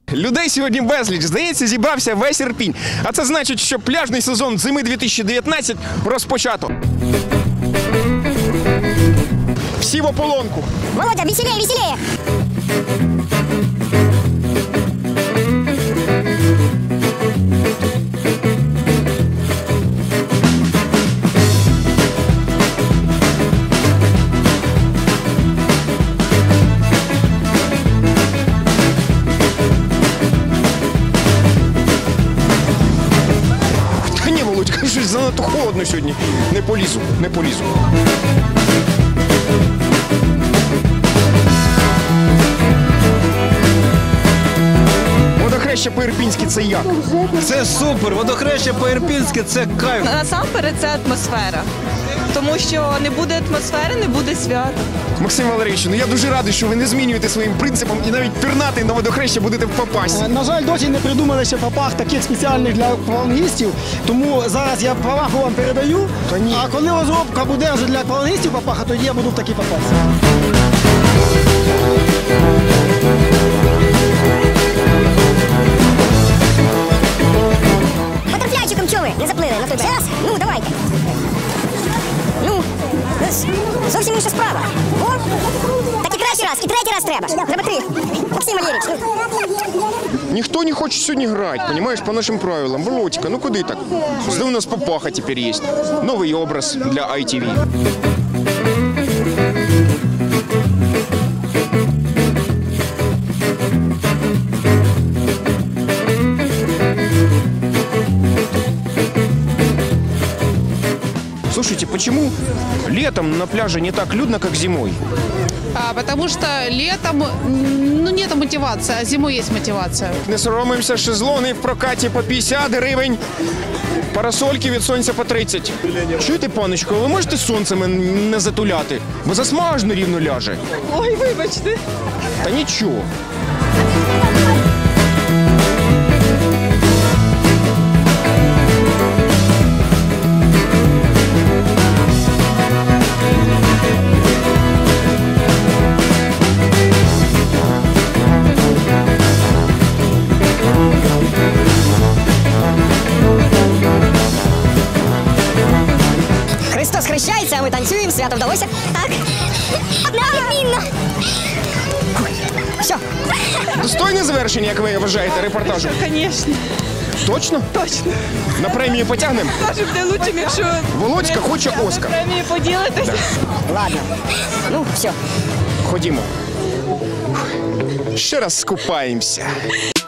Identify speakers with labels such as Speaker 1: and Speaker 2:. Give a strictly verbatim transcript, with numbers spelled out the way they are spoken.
Speaker 1: Людей сьогодні безліч. Здається, зібрався весь Ірпінь. А це значить, що пляжний сезон зими дві тисячі дев'ятнадцять розпочато. Всі в ополонку.
Speaker 2: Володя, веселее, веселее!
Speaker 1: Та ні, Володька, щось занадто холодно сьогодні. Не полізу, не полізу. Водохреща по-ірпінськи – це як?
Speaker 3: Це супер! Водохреща по-ірпінськи – це кайф!
Speaker 4: Насамперед це атмосфера. Тому що не буде атмосфери, не буде свята.
Speaker 1: Максим Валерійович, ну я дуже радий, що ви не змінюєте своїм принципом і навіть пірнати на водохреща будете в Попасі.
Speaker 5: На жаль, досі не придумали ще попах таких спеціальних для аквалангістів, тому зараз я праваху вам передаю,
Speaker 1: Та ні.
Speaker 5: а коли розробка буде вже для аквалангістів попаха, тоді я буду в такий попасі.
Speaker 2: Батерфляйчиком чого ви? Не заплили на той берег? Зараз? Ну, давайте. Ну, зовсім інша справа. О, так і третій раз, і третій раз треба. Треба три. Максим Валерійович, ну.
Speaker 1: Ніхто не хоче сьогодні грати, понимаешь, по нашим правилам. Володька, ну куди так? Зато у нас Попаха тепер є. Новий образ для ай ті ві. Слушайте, почему летом на пляже не так людно, как зимой?
Speaker 6: А, потому что летом ну, нет мотивации, а зимой есть мотивация.
Speaker 1: Не соромимося, шезлони в прокаті по п'ятдесят гривень, парасольки від сонця по тридцять. Чуєте, паночко, ви можете сонцем не затуляти? Бо засмажно рівно ляже.
Speaker 4: Ой, вибачте.
Speaker 1: Та нічого.
Speaker 2: Христос хрещається, а ми танцюємо, свято вдалося. Так. Відмінно. Все.
Speaker 1: Достойне завершення, як ви вважаєте, репортажу?
Speaker 4: Звісно,
Speaker 1: Точно?
Speaker 4: точно.
Speaker 1: На премію потягнемо?
Speaker 4: Може буде лучше, якщо
Speaker 1: Володька хоче Оскар.
Speaker 4: премію поділитися.
Speaker 2: Ладно. Ну, все.
Speaker 1: Ходімо. Ще раз скупаємося.